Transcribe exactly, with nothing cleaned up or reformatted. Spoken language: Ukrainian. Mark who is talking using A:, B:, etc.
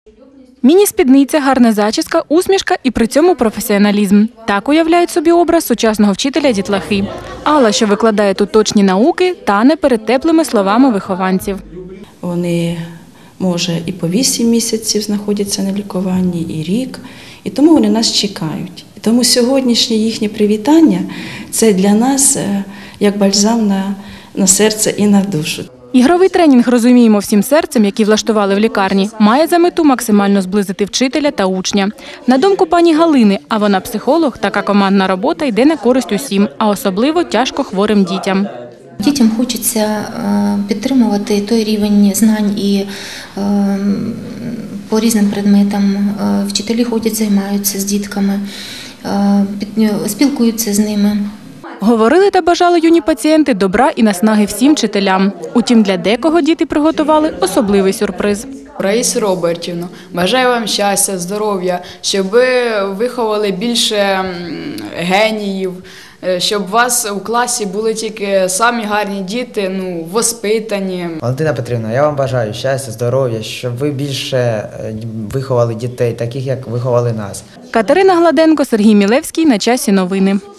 A: Міні-спідниця, гарна зачіска, усмішка і при цьому професіоналізм. Так уявляють собі образ сучасного вчителя дітлахи. Алла, що викладає тут точні науки, тане перед теплими словами вихованців.
B: Вони, може, і по вісім місяців знаходяться на лікуванні, і рік, і тому вони нас чекають. І тому сьогоднішнє їхнє привітання – це для нас як бальзам на, на серце і на душу.
A: Ігровий тренінг «Розуміємо всім серцем», який влаштували в лікарні, має за мету максимально зблизити вчителя та учня. На думку пані Галини, а вона психолог, така командна робота йде на користь усім, а особливо тяжко хворим дітям.
C: Дітям хочеться підтримувати той рівень знань і по різним предметам. Вчителі ходять, займаються з дітками, спілкуються з ними.
A: Говорили та бажали юні пацієнти добра і наснаги всім вчителям. Утім, для декого діти приготували особливий сюрприз.
D: Раїсу Робертівну, бажаю вам щастя, здоров'я, щоб ви виховали більше геніїв, щоб у вас у класі були тільки самі гарні діти, ну, воспитані.
E: Валентина Петрівна, я вам бажаю щастя, здоров'я, щоб ви більше виховали дітей, таких, як виховали нас.
A: Катерина Гладенко, Сергій Мілевський. На часі новини.